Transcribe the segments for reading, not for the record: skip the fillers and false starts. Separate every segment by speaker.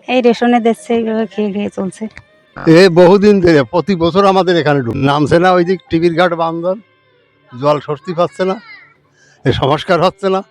Speaker 1: এই রেশনে দিচ্ছে, এইভাবে খেয়ে খেয়ে চলছে।
Speaker 2: বহুদিন ধরে প্রতি বছর আমাদের এখানে নামছে না, ওই দিক টিভির ঘাট বান্ধন, জল স্বস্তি পাচ্ছে না, এ সংস্কার হচ্ছে না।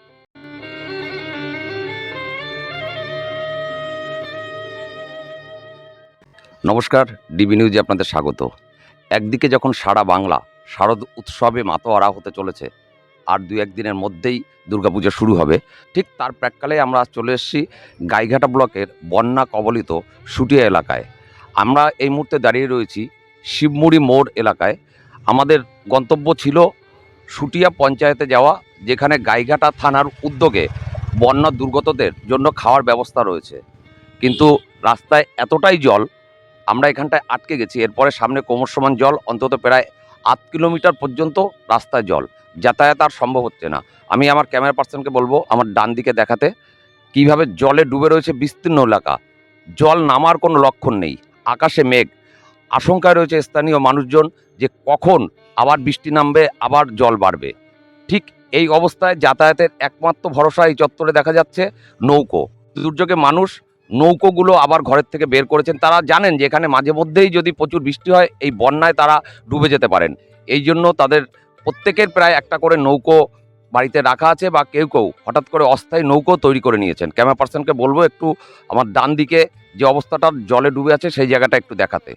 Speaker 3: নমস্কার, ডিবি নিউজে আপনাদের স্বাগত। একদিকে যখন সারা বাংলা শারদ উৎসবে মাতোয়ারা হতে চলেছে, আর দু একদিনের মধ্যেই দুর্গাপূজা শুরু হবে, ঠিক তার প্রাক্কালে আমরা চলে এসেছি গাইঘাটা ব্লকের বন্যা কবলিত শুটিয়া এলাকায়। আমরা এই মুহূর্তে দাঁড়িয়ে রয়েছি শিবমুড়ি মোড় এলাকায়। আমাদের গন্তব্য ছিল শুটিয়া পঞ্চায়েতে যাওয়া, যেখানে গাইঘাটা থানার উদ্যোগে বন্যা দুর্গতদের জন্য খাওয়ার ব্যবস্থা রয়েছে। কিন্তু রাস্তায় এতটাই জল, আমরা এখানটায় আটকে গেছি। এরপরে সামনে কোমর সমান জল, অন্তত প্রায় ৮ কিলোমিটার পর্যন্ত রাস্তায় জল, যাতায়াত আর সম্ভব হচ্ছে না। আমি আমার ক্যামেরা পার্সনকে বলবো আমার ডান দিকে দেখাতে কিভাবে জলে ডুবে রয়েছে বিস্তীর্ণ এলাকা। জল নামার কোনো লক্ষণ নেই, আকাশে মেঘ। আশঙ্কায় রয়েছে স্থানীয় মানুষজন যে কখন আবার বৃষ্টি নামবে, আবার জল বাড়বে। ঠিক এই অবস্থায় যাতায়াতের একমাত্র ভরসা এই চত্বরে দেখা যাচ্ছে নৌকো। দুর্যোগে মানুষ নৌকোগুলো আবার ঘরের থেকে বের করেছেন। তারা জানেন যে এখানে মাঝে মধ্যেই যদি প্রচুর বৃষ্টি হয়, এই বন্যায় তারা ডুবে যেতে পারেন। এই জন্য তাদের প্রত্যেকের প্রায় একটা করে নৌকো বাড়িতে রাখা আছে, বা কেউ কেউ হঠাৎ করে অস্থায়ী নৌকো তৈরি করে নিয়েছেন। ক্যামেরা পার্সনকে বলবো একটু আমার ডান দিকে যে অবস্থাটা জলে ডুবে আছে সেই জায়গাটা একটু দেখাতে।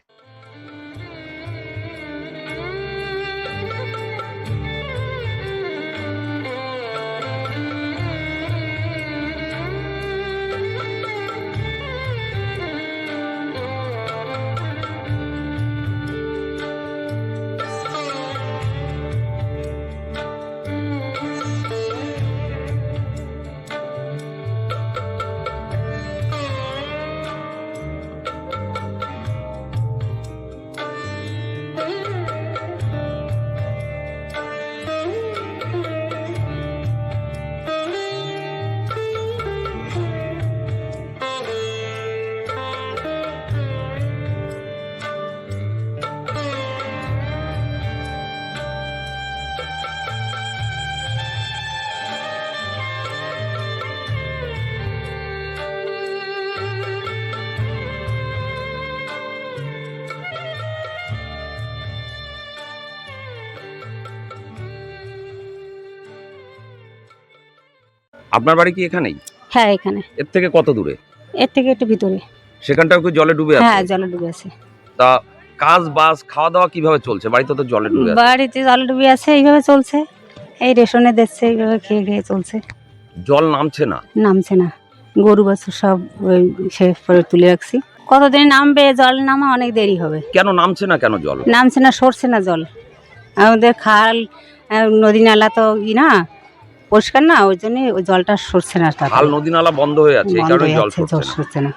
Speaker 3: আপনার বাড়ি কি এখানেই?
Speaker 1: হ্যাঁ, এখানে।
Speaker 3: এর থেকে কত দূরে?
Speaker 1: এর থেকে একটু ভিতরে।
Speaker 3: সেখানটাও কি জলে ডুবে আছে?
Speaker 1: হ্যাঁ, জলে ডুবে আছে।
Speaker 3: তা কাজ বাস খাওয়া দাওয়া কিভাবে চলছে? বাড়িতে তো জলে ডুবে আছে।
Speaker 1: বাড়িতে জলে ডুবে আছে, এইভাবে চলছে। এই রেশনে দিচ্ছে, এইভাবে খেয়ে খেয়ে চলছে।
Speaker 3: জল নামছে না।
Speaker 1: নামছে না। গরু বাছুর সব ওই সে পরে তুলে রাখছি। কতদিন নামবে? জল নামা অনেক দেরি হবে।
Speaker 3: কেন নামছে না, কেন জল
Speaker 1: নামছে না, সরছে না জল। আমাদের খাল, নদী নালা তো না পরিষ্কার না, ওই জন্য ওই জলটা সরছে না।
Speaker 3: খাল নদী নালা বন্ধ হয়ে আছে, এই কারণে জল
Speaker 1: সরছে না।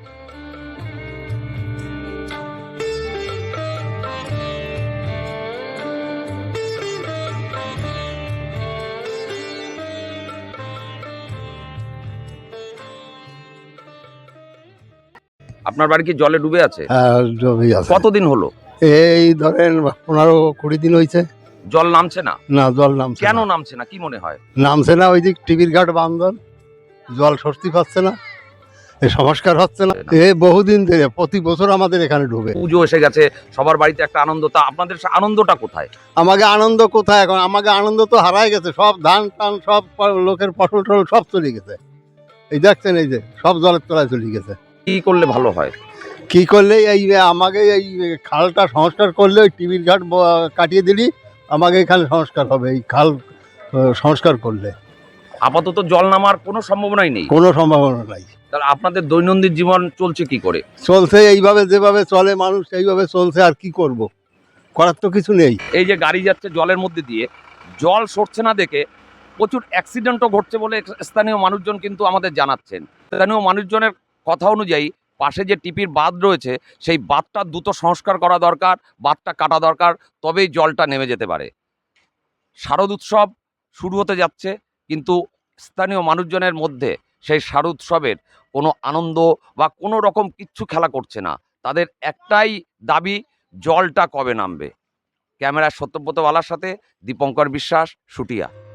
Speaker 3: আপনার বাড়ি কি জলে ডুবে আছে?
Speaker 2: জমি আছে।
Speaker 3: কতদিন হলো?
Speaker 2: এই ধরেন 15-20 দিন হয়েছে।
Speaker 3: জল নামছে না?
Speaker 2: না, জল নামছে
Speaker 3: কেন
Speaker 2: না।
Speaker 3: নামছে না, কি মনে হয়?
Speaker 2: নামছে না, ওই দিক টিভির ঘাট বান্ধন, জল স্বস্তি পাচ্ছে না, এ সংস্কার হচ্ছে না। বহুদিন ধরে প্রতি বছর আমাদের এখানে ডুবে।
Speaker 3: পুজো এসে গেছে, সবার বাড়িতে একটা আনন্দ। তা আপনাদের আনন্দটা কোথায়?
Speaker 2: আমাকে আনন্দ কোথায় এখন? আমাকে আনন্দ তো হারাই গেছে। সব ধান টান সব লোকের ফসল টসল সব চলে গেছে। এই দেখছেন, এই যে সব জলের তলায় চলে গেছে।
Speaker 3: কি করলে ভালো হয়?
Speaker 2: কি করলে এই আমাকে এই খালটা সংস্কার করলে, ওই টিভির ঘাট কাটিয়ে দিলি আমাকে এখানে সংস্কার হবে। এই খাল সংস্কার করলে
Speaker 3: আপাতত জল নামার কোনো সম্ভাবনাই নেই।
Speaker 2: কোনো সম্ভাবনা নাই।
Speaker 3: তাহলে আপনাদের দৈনন্দিন জীবন চলছে কি করে?
Speaker 2: চলছে এইভাবে, যেভাবে চলে মানুষ এইভাবে চলছে। আর কি করব, করার তো কিছু নেই।
Speaker 3: এই যে গাড়ি যাচ্ছে জলের মধ্যে দিয়ে, জল সরছে না দেখে প্রচুর অ্যাক্সিডেন্টও ঘটছে বলে স্থানীয় মানুষজন কিন্তু আমাদের জানাচ্ছেন। স্থানীয় মানুষজনের কথা অনুযায়ী পাশে যে টিপির বাঁধ রয়েছে, সেই বাঁধটা দ্রুত সংস্কার করা দরকার, বাঁধটা কাটা দরকার, তবেই জলটা নেমে যেতে পারে। শারদ উৎসব শুরু হতে যাচ্ছে, কিন্তু স্থানীয় মানুষজনের মধ্যে সেই শারদ উৎসবের কোনো আনন্দ বা কোনো রকম কিচ্ছু খেলা করছে না। তাদের একটাই দাবি, জলটা কবে নামবে। ক্যামেরার সত্যব্রত বালার সাথে দীপঙ্কর বিশ্বাস, শুটিয়া।